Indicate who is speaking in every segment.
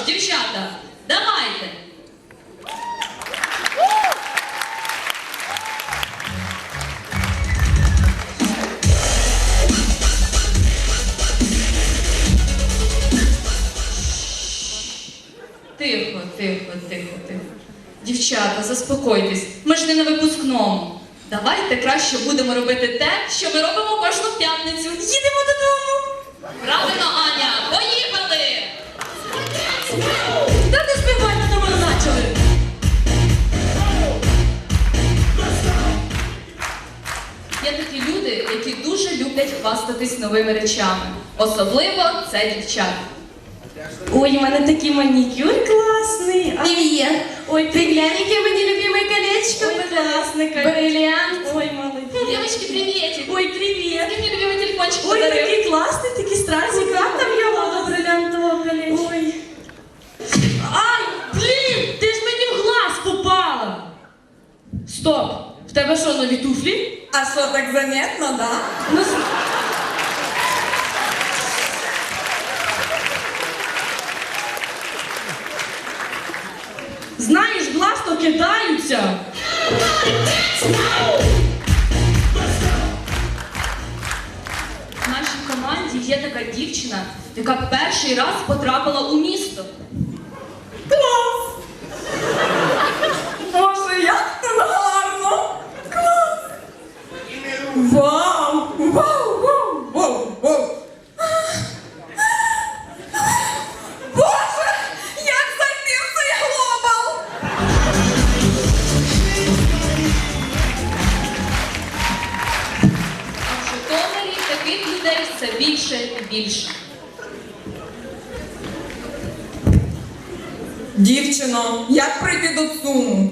Speaker 1: дівчата, давайте. Тихо, тихо, тихо, тихо. Дівчата, заспокойтесь, ми ж не на випускному. Давайте краще будемо робити те, що ми робимо кожну п'ятницю. Їдемо додому. Правильно, Аня, поїхали! Та не співайте, то ми почали. Є такі люди, які дуже люблять хвастатись новими речами. Особливо це дівчата.
Speaker 2: Ой, у мене такий манікюр класний.
Speaker 3: Привет.
Speaker 2: Ой,
Speaker 3: Ты глянь, какие мы любимое колечко.
Speaker 2: Ой, класний.
Speaker 3: Бриллиант.
Speaker 2: Ой, молодець.
Speaker 1: Девочки, приветик!
Speaker 2: Ой, привіт.
Speaker 1: Ты мне любимый телефончик
Speaker 2: Ой,
Speaker 1: подарил.
Speaker 2: такий класний, такий страшний.
Speaker 3: Куда там його до бриллиантового колечка?
Speaker 2: Ой. Ай, блін, ти ж мені в глаз попала. Стоп, в тебе що, нові туфлі?
Speaker 3: А что, так заметно, да?
Speaker 2: Ну, знаєш, глаз то кидаються.
Speaker 1: В нашій команді є така дівчина, яка перший раз потрапила у місто.
Speaker 3: Класс! Боже, як тут гарно! Клас! Вау! Вау! Вау! Вау! Вау! Боже! Як зайти в цей глобал!
Speaker 1: А в Житомирі таких людей все більше і більше.
Speaker 3: Дівчино, як пройти до ЦУМу?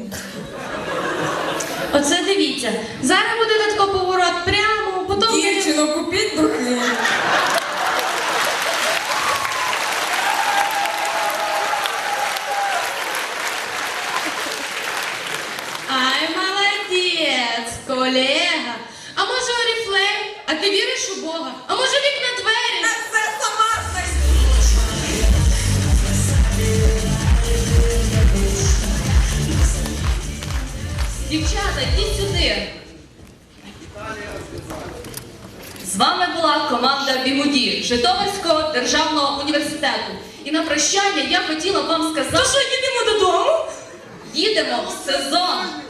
Speaker 2: Оце дивіться. Зараз буде тако поворот прямо, потім...
Speaker 3: Дівчино, купіть духи.
Speaker 2: Ай, молодець, колега. А може Оріфлейм? А ти віриш у Бога? А може вікна двері?
Speaker 3: Та це сама знайду.
Speaker 1: Дівчата, йдіть сюди. З вами була команда Бігуді Житомирського державного університету. І на прощання я хотіла вам сказати,
Speaker 2: То що, їдемо додому?
Speaker 1: їдемо в сезон.